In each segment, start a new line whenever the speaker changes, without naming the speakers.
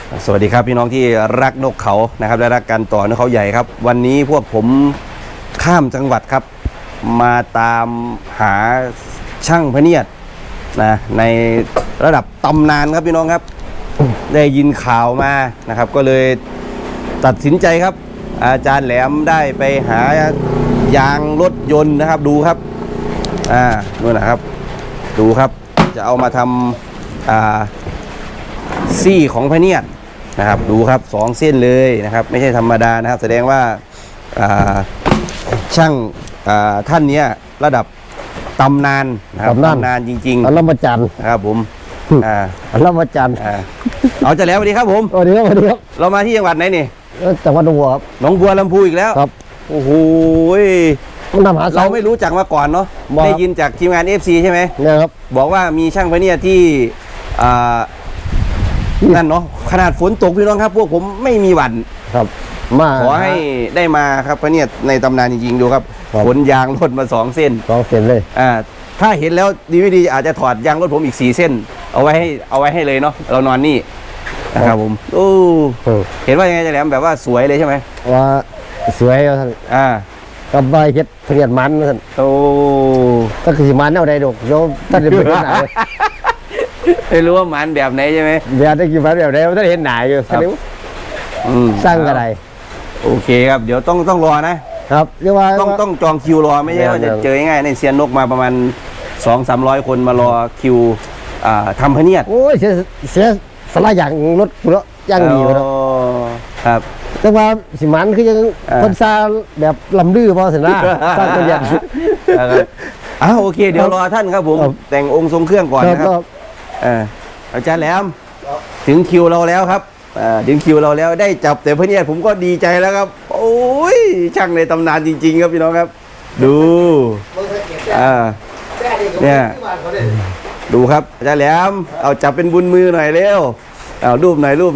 สวัสดีครับพี่น้องที่รักนกเขานะครับและรักการต่อนกเขาใหญ่ครับวันนี้พวกผมข้ามจังหวัดครับมาตามหาช่างพเนียดนะในระดับตำนานครับพี่น้องครับได้ยินข่าวมานะครับก็เลยตัดสินใจครับ อาจารย์แหลมได้ไปหายางรถยนต์นะครับดูครับนู่นนะครับดูครับจะเอามาทำซี่ของพเนียดนะครับดูครับ2 เส้นเลยนะครับไม่ใช่ธรรมดานะครับแสดงว่าช่างท่านนี้ระดับตำนานนะครับตำนานจริงๆ
อัลลจันทร์
นะครับผม
อัลลจันทร์
เอาจะแล้วสวัสดีครับผม
สวัสดีครับสวัสดีครับ
เรามาที่จังหวัดไหนนี่
จังหวัดหนองบัวครับ
หนองบัวลำพูอีกแล้ว
ครับ
โอ้โห
เรา
ไม่รู้จักมาก่อนเนาะได้ยินจากทีมงาน FC ใช่ไหม
เนี่ยครับ
บอกว่ามีช่างพเนียดที่นั่นเนาะขนาดฝนตกพี่น้องครับพวกผมไม่มีหวั่น
ครับมา
ขอให้ได้มาครับพเนียดในตำนานจริงๆดูครับขนยางรถมา2 เส้น
2 เส้นเลย
ถ้าเห็นแล้วดีไม่ดีอาจจะถอดยางรถผมอีก4 เส้นเอาไว้ให้เลยเนาะเรานอนนี่นะครับผมโอ้เห็นว่ายังไงจะแหลมแบบว่าสวยเลยใช่ไหม
ว่าสวยท่านกับใบเพชรเพียรมันท่าน
โอ้
ก็คือมันเอาได้ดอกโยมท่านจะเป็นไหน
ไม่รู้ว่ามันแบบไหนใช่ไหม
เดี๋ยวได้กี่วันแบบไหนท่านเห็นหนาอยู่ท่านนี้สร้างอะไร
โอเคครับเดี๋ยวต้องรอนะครับ
เรียกว่า
ต้องจองคิวรอไม่ใช่ว่าจะเจอง่ายในเซียนนกมาประมาณ200-300 คนมารอคิวทำพเนียด
โอ้ยเสียสละอย่างรถรถย่างดีเลย
ครับ
แต่ว่าสิมันคือยังคนซาแบบลำดื้อพอสินะสร้างตัวอย่าง
โอเคเดี๋ยวรอท่านครับผมแต่งองค์ทรงเครื่องก่อนนะครับอาจารย์แหลมถึงคิวเราแล้วครับถึงคิวเราแล้วได้จับแต่พเนียดผมก็ดีใจแล้วครับโอ้ยช่างในตำนานจริงๆครับพี่น้องครับดูเนี่ยดูครับอาจารย์แหลมเอาจับเป็นบุญมือหน่อยเร็วเอารูปหน่อย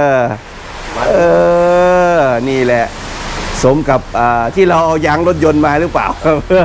นี่แหละสมกับที่เราเอายางรถยนต์มาหรือเปล่า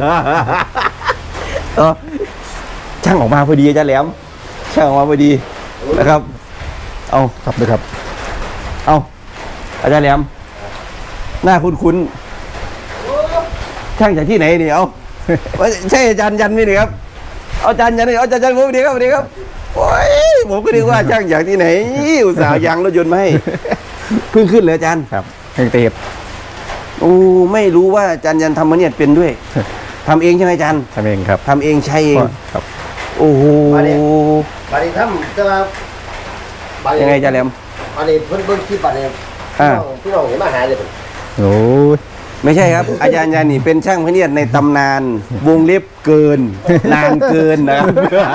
ช่างออกมาพอดีอาจารย์แหลมช่างออกมาพอดีนะครับเอา
ครับเลยครับ
เอาอาจารย์แหลมหน้าคุ้นๆช่างจากที่ไหนนี่เอาใช่อาจารย์ยันนี่ครับอาจารย์ยันนี่อาจารย์ยันผมดีครับดีครับโอ้ยผมก็นึกว่าช่างจากที่ไหนอุตส่าห์ยางรถยนต์มาให้เพิ่งขึ้นเลยอาจารย์
ครับเพิ่งเตะ
โอ้ไม่รู้ว่าอาจารย์ยันทำมาเนี่ยเป็นด้วยทำเองใช่ไหมอาจารย์
ทำเองครับ
ทำเองใช้เอง
ครับ
โอ้โห
บารีทำจะ
ยังไงอาจารย์แหลม
บารีเพิ่งคิดบารีพี่น้องเห็นมาหาเลยโอ้ย
ไม่ใช่ครับอาจารย์ยันนี่เป็นช่างพเนียดในตำนานวงเล็บเกินนานเกินนะครับ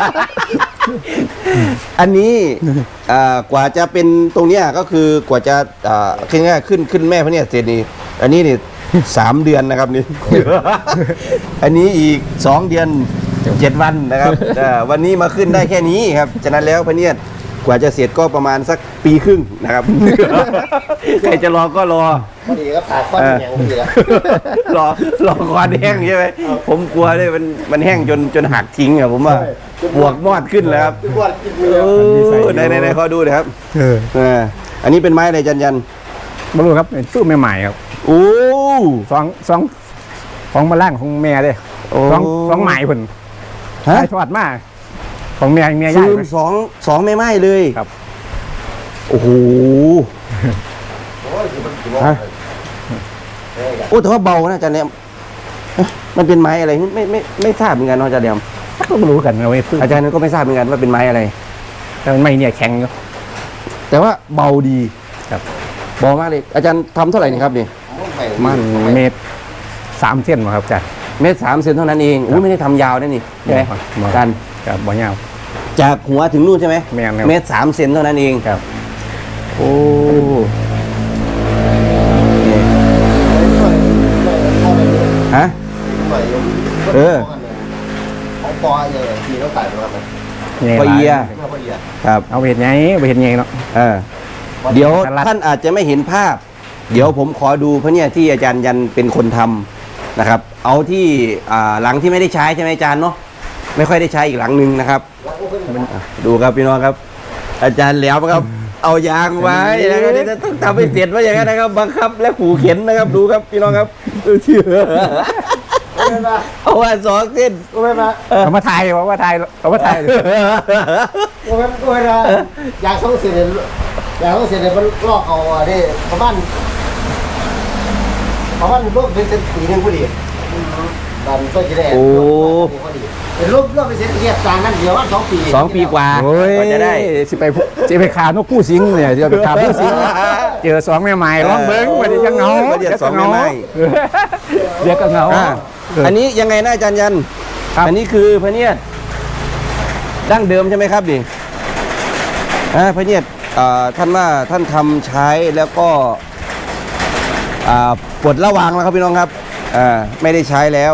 อันนี้กว่าจะเป็นตรงเนี้ยก็คือกว่าจะง่ายขึ้นแม่พเนียดเสร็จนี่อันนี้นี่3 เดือนนะครับนี่อันนี้อีก2 เดือน7 วันนะครับวันนี้มาขึ้นได้แค่นี้ครับฉะนั้นแล้วพเนียดกว่าจะเสร็จก็ประมาณสัก1.5 ปีนะครับใครจะรอก็รอ
พอดีก็ผ่าข้อแห้งพอดีแล้ว
รอคอแห้งใช่ไหมผมกลัวเลยมันแห้งจนหักทิ้งอะผมว่าปวกมอดขึ้นแล้วครับในขอดูเลยครับอันนี้เป็นไม้อะไรยัน
บรรลุครับสู้ใหม่ๆครับ
โอ้
สองของมาล่างของแม่เลยสองใหม่คนได้ทอดมากของเมียใหญ่
สองไม่ไหม้เลย
ครับ
โอ้โหโอ้แต่ว่าเบานะอาจารย์เนี่ยมันเป็นไม้อะไรไม่ทราบเหมือนกันอาจารย์เดียม
ก็ไม่รู้กันเอาไว้
อาจารย์ก็ไม่ทราบเหมือนกันว่าเป็นไม้อะไร
แต่มันไม่เนี่ยแข็งอยู่
แต่ว่าเบาดี
ครับ
เบามากเลยอาจารย์ทำเท่าไหร่นี่ครับนี่
มันเมตร3 เส้นครับอาจารย์
เมตร3 เซนเท่านั้นเองไม่ได้ทำยาวนั่นนี่ใช่ไหมอาจารย์
ครับบ่ยาว
จากหัวถึงนู่นใช่ไหม
เม
ตร3 เซนเท่านั้นเอง
ครับ
โอ้ฮะ
ของปอเลยทีแล้วขายมา
ปอเอียครับ
เอาเห็นไงเนาะ
เดี๋ยวท่านอาจจะไม่เห็นภาพเดี๋ยวผมขอดูเพราะเนี่ยที่อาจารย์ยันเป็นคนทำนะครับเอาที่หลังที่ไม่ได้ใช้ใช่ไหมอาจารย์เนาะไม่ค่อยได้ใช้อีกหลังนึงนะครับดูครับพี่น้องครับอาจารย์แหลมครับเอายางไว้นะครับเดี๋ยวจะต้องทำให้เสร็จว่าอย่างนั้นนะครับบังคับและขู่เข็นนะครับดูครับพี่น้องครับเชื่อเอาว่าสองเส้น
กูไม่มา
เอามาถ่ายเอามาถ่ายเอามาถ่าย
กูไม่มาอยากส่งเสียเลยอยากส่งเสียเลยมันลอกเอาอ่ะดิประมาณรูปเป็นเซนปีนึงพอดีตอนต้นจะได้เป็นรูปเป็นเซนเรียบจางนั่นเดียวว่า2 ปี
2 ปีกว่า
โอ้ย
ก็จะได้
สิไปขานกผู้สิงเนี่ยจะไปขาผู้สิงเจอสองแม่ไม้ร้องเบิ้งวันนี้จะเหงา
เดี๋ยวสองแม่ไม้
เดี๋ยวก็เหงา
อันนี้ยังไงนะอาจารย์ยัน
ครับ
อันนี้คือพระเนียดดั้งเดิมใช่ไหมครับดิพระเนียดท่านว่าท่านทำใช้แล้วก็ปลดระวางแล้วครับพี่น้องครับไม่ได้ใช้แล้ว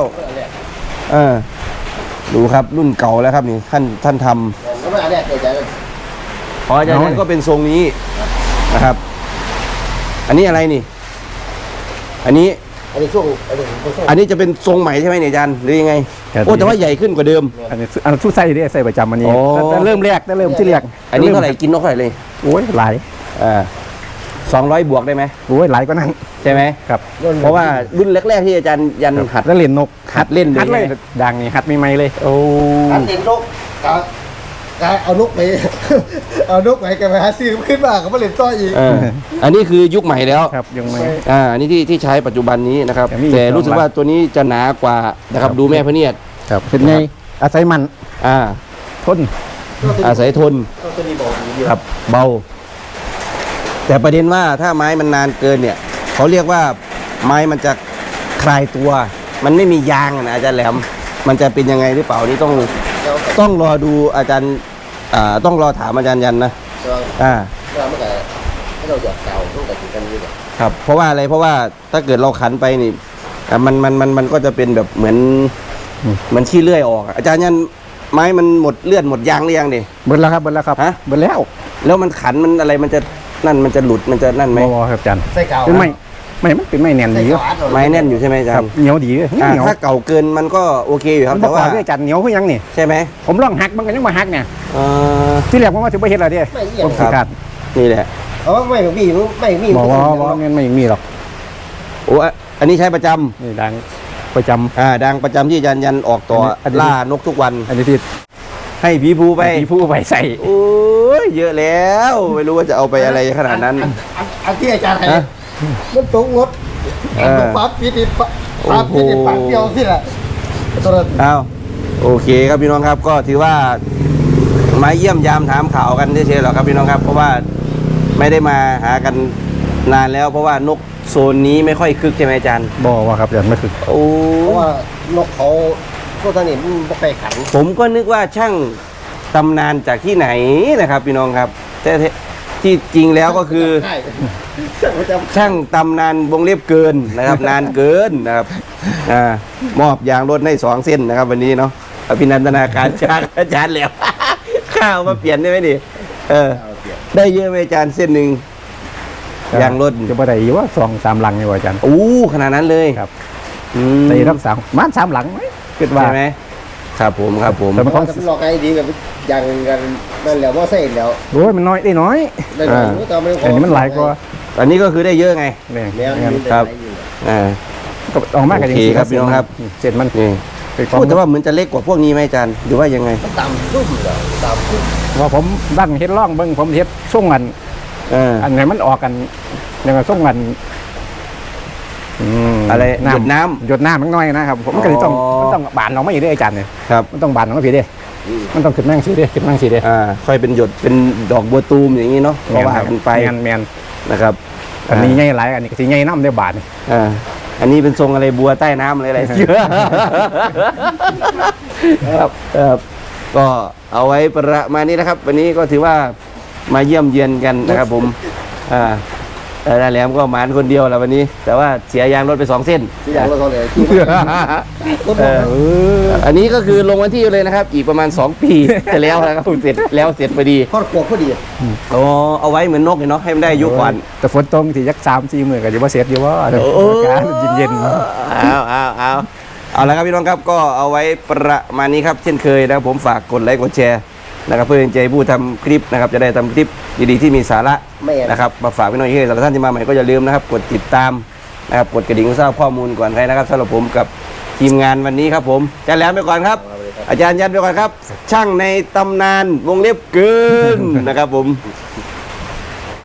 ดูครับรุ่นเก่าแล้วครับนี่ท่านทำ
ก็ไม่อะไรใจ
พออาจารย์ยันก็เป็นทรงนี้นะครับ อันนี้อะไรนี่ อันนี้
อันนี้ช่วง
อันนี้จะเป็นทรงใหม่ใช่ไหมเนี่ยอาจารย์หรือยังไงโอ้แต่ว่าใหญ่ขึ้นกว่าเดิม
อันนี้สู้ใส่ได้ใส่ประจำอันนี้
อ๋อ
แต่เริ่มแรกแต่เริ่มที่แรก
อันนี้เท่าไหร่กินนกเท่าไหร่เลย
โอ้ยหลาย
200 บวกได้ไหม
โอ้ยหลายก็นั่น
ใช่ไหม
ครับ
เพราะว่ารุ่นแรกๆที่อาจารย์ยันหัด
แล้วเล่นนก
หัดเล่นเลย
หัดเลยดังนี่หัดไม่เลย
โอ้
การเล่นนกการเอานกไปเอานกไปกันไปหาซื้อขึ้นมาก็มาเล่นต่ออีก
อันนี้คือยุคใหม่แล้ว
ครับยังไม่
อันนี้ที่ใช้ปัจจุบันนี้นะครับ
แต่มี
แต่
อีก
รู้สึกว่าตัวนี้จะหนากว่านะครับดูแม่พระเนียด
ครับเป็นไงอาศัยมัน
อ่า
ทน
อาศัยทน
ตัวนี้บอกดี
ครับเบา แต่ประเด็นว่าถ้าไม้มันนานเกินเนี่ยเขาเรียกว่าไม้มันจะคลายตัว มันไม่มียางนะอาจารย์แหลม มันจะเป็นยังไงหรือเปล่านี่ต้องรอดูอาจารย์ต้องรอถามอาจารย์ยันนะ
เราเมื่อไหร่เราอยากเก่าต้องแต่กันนี่
ครับเพราะว่าอะไรเพราะว่าถ้าเกิดเราขันไปนี่มันก็จะเป็นแบบเหมือนขี้เลื่อยออกอาจารย์ยันไม้มันหมดเลือดหมดยางหรือยังดิ
เบิดแล้วครับเบิดแล้วครับ
ฮะ
เบิดแล้ว
แล้วมันขันมันอะไรมันจะนั่นมันจะหลุดมันจะนั่นไหม
บ่ครับอาจารย์
ใส่เก่า
เป็นไม่มันเป็นไม่แน่น
ใส่
ดีอยู่
เก่า
ไม้แน่นอยู่ใช่ไหมอาจา
ครั
ร
บ
ย์
เหนียวดีเลยเหนียว
ถ้าเก่าเกินมันก็โอเคอยู่ครับ
มัน
แต่
บ่
ว่า
ว่าด้วยอาจารย์เหนียวคือยังนี่
ใช่ไหม
ผมลองหักมันก็ยังมาหักเนี่ย
เอ่อ
ที่แรกผมว่าถึงไปเฮ็ดอะไรเด้ผมสิขาด
นี่แหละ
เพราะว่าไม่มี
บอกว่าเงินไม่มีหรอก
โอ้อันนี้ใช้ประจำ
นี่ดังประจำ
ดังประจำที่อาจารย์ยันออกต่ออน
นี้
ล่านกทุกวัน
อันนี้ที่
ให้ผีภูไป
มีผู้ไปใส่
โอ้ยเยอะแล้ว ไม่รู้ว่าจะเอาไปอะไรขนาดนั้น
อันที่อาจารย์ให้
ฮะ
มันตกรถปั๊บปิดปั๊บปิดปากเดียวที่ละตัวนั้น
อ้าวโอเคครับพี่น้องครับก็ถือว่ามาเยี่ยมยามถามข่าวกันเฉยๆหรอกครับพี่น้องครับ เพราะว่าไม่ได้มาหากันนานแล้ว เพราะว่านกโซนนี้ไม่ค่อยคึกใช่ไหมอาจารย์
บอกว่าครับอาจารย์ไม่คือ
โอ้
เพราะว่านกเขาพวกท่านนี่มันบ่ไปขัน
ผมก็นึกว่าช่างตำนานจากที่ไหนนะครับ พี่น้องครับ แต่ที่จริงแล้วก็คือ
ใช่ช่างประจ
ช่างตำนานวงเล็บเกินนะครับ นานเกินนะครับมอบยางรถให้2 เส้นนะครับ วันนี้เนาะอภินันทนาการอาจารย์แล้ว ข้าวมาเปลี่ยนได้ไหมดิได้เยอะไหมอาจารย์เส้นหนึ่งยางรถ
จะบ่ได้อยู่ว่า2-3หลังนี่ว่าอาจารย์
อู้ขนาดนั้นเลย
ครับ
อืม
ใส่ทั้ง3บ้าน3หลังไหมคิดว่า
ใช่ไหมครับผมครับผม
แต่
ำ
มัน
เขาจะหลอกไอ้ดีกับอย่างกันนั่นแหละว่าใส่แล้ว
โอ้ยมันน้อยได้น้อย
ได้หน่อยแต่ไม่
อันนี้มันหลายกว่า
อันนี้ก็คือได้เยอะไง
เนี่ย
แล้ว
ครับ อ่า
ก็ออกมากัน
โอเคครับพี่น้องครับ
เสร็จมัน
นี่
เป็นควา
พู
ม
ดแต่ว่าเหมือนจะเล็กกว่าพวกนี้ไหมอาจารย์หรือว่ายังไง
ตามรุ่มเหรอตามรุ่ม
พอผมดันเฮ็ดร่องเบิ่งผมเฮ็ดส่งกัน อันไหนมันออกกันยังไงส่งกัน
อะไรหยดน้ำ
หยดน้ำมันน้อยนะครับผมก็เลยต้องบานออกมาอีกเด้ออาจารย์เนี่ย
ครับ
มันต้องบานออกมาพี่เด้มันต้องขึ้นแม่งสีเด้ขึ้นแม่งสีเด้
ค่อยเป็นหยดเป็นดอกบัวตูมอย่างนี้เนาะก็ว่ากันไป
แมน
นะครับ
อันนี้ใหญ่หลายอันนี้ก็สิใหญ่น้ำได้บาทนี่
อันนี้เป็นทรงอะไรบัวใต้น้ำอะไรเยอะครับก็เอาไว้ประมาณนี้นะครับ วันนี้ก็ถือว่ามาเยี่ยมเยือนกันนะครับผมแต่แหลมก็หมานคนเดียวแหละวันนี้ แต่ว่าเสียยางรถไป2 เส้น
ที่อย่างเราเลยที่รถ
อันนี้ก็คือลงวันที่เลยนะครับ อีกประมาณ2 ปีจะแล้วนะครับเสร็จพอดี
ครอบครัวพอดี
โอ้เอาไว้เหมือนนกเนาะให้มันได้อายุก่อน
แต่ฝนตกที่ยัก3-4มื้อก็สิบ่เสร็จอยู่ว่าอากาศเย็น
เอาละครับพี่น้องครับก็เอาไว้ประมาณนี้ครับเช่นเคยนะครับผมฝากกดไลค์กดแชร์นะครับเพื่อเป็นใจผู้ทำคลิปนะครับจะได้ทำคลิปดีๆที่มีสาระ
แม่น
นะครับมาฝากพี่น้องที่สำหรับท่านที่มาใหม่ก็อย่าลืมนะครับกดติดตามนะครับกดกระดิ่งเพื่อทราบข้อมูลก่อนใครนะครับสำหรับผมกับทีมงานวันนี้ครับผมอาจารย์แหลมไปก่อนครับ อาจารย์ยันไปก่อนครับ ช่างในตำนานวงเล็บเกินนะครับผม